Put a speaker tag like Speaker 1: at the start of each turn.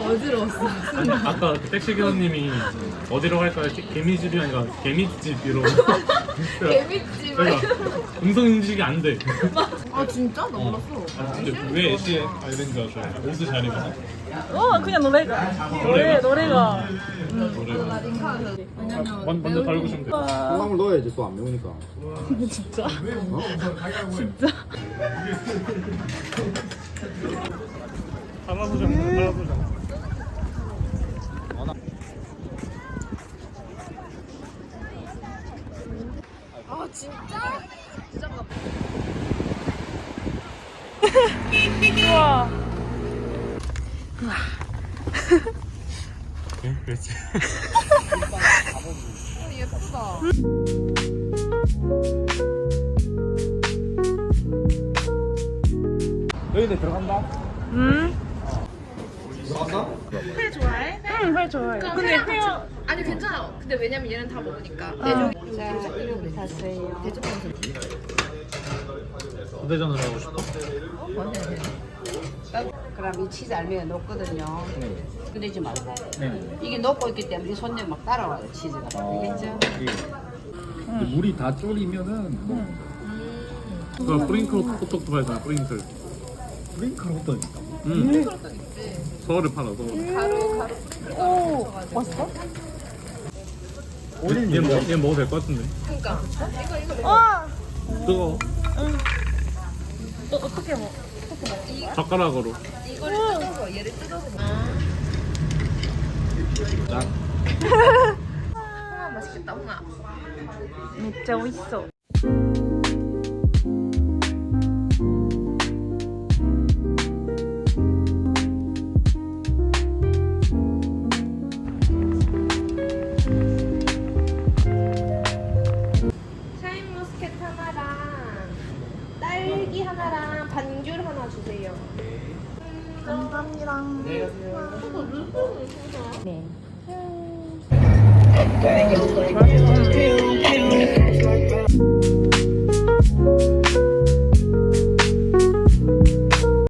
Speaker 1: 어지러웠어.
Speaker 2: 아니 아까 그 택시 기사님이 어디로 갈까요? 개미집이 아니라 개미집이로.
Speaker 1: 개미집.
Speaker 2: 그러니까 음성 인식이 안 돼.
Speaker 1: 아 진짜? 나 몰랐어.
Speaker 2: 근데 왜 애쉬 아일랜드 하셔? 옷을 잘 입어서?
Speaker 3: 그냥 노래가.
Speaker 2: 먼저 달구시면 돼.
Speaker 4: 콩나물 넣어야지 또 안 매우니까.
Speaker 3: 진짜?
Speaker 2: 할아버지랑 할아버지랑.
Speaker 1: 아 진짜?
Speaker 3: 우와.
Speaker 2: 응, 그렇지.
Speaker 1: 예쁘다.
Speaker 4: 여기네 들어간다. 들어간다?
Speaker 1: 회 좋아해?
Speaker 3: 응, 회 좋아해. 근데 헤어.
Speaker 1: 아니 괜찮아. 근데 왜냐면 얘는 다 먹으니까. 대종 샀어요. 대종
Speaker 2: 부대전을 하고 싶어?
Speaker 5: 그럼 이 치즈 알맹이가 녹거든요. 흔들지 말고. 이게 녹고 있기 때문에 손님 막 따라와요, 치즈가. 알겠죠?
Speaker 4: 물이 다 졸이면은 뭐
Speaker 2: 그 프링클 호떡도 팔잖아. 프링클.
Speaker 4: 프링클 호떡 있다.
Speaker 2: 응. 서울에 팔아. 서울.
Speaker 1: 가루.
Speaker 3: 오, 맛있어?
Speaker 2: 얘 먹어도 될 것 같은데.
Speaker 1: 그러니까
Speaker 3: 와.
Speaker 2: 뜨거.
Speaker 3: 어떻게 먹어?
Speaker 2: 젓가락으로.
Speaker 1: 이거를 뜯어서 얘를 뜯어서 먹어. 홍아 맛있겠다 홍아.
Speaker 3: 진짜 맛있어.
Speaker 1: 샤인머스켓 하나랑 딸기 하나랑 반귤 하나 주세요.
Speaker 3: 감사합니다. 네.
Speaker 1: 네.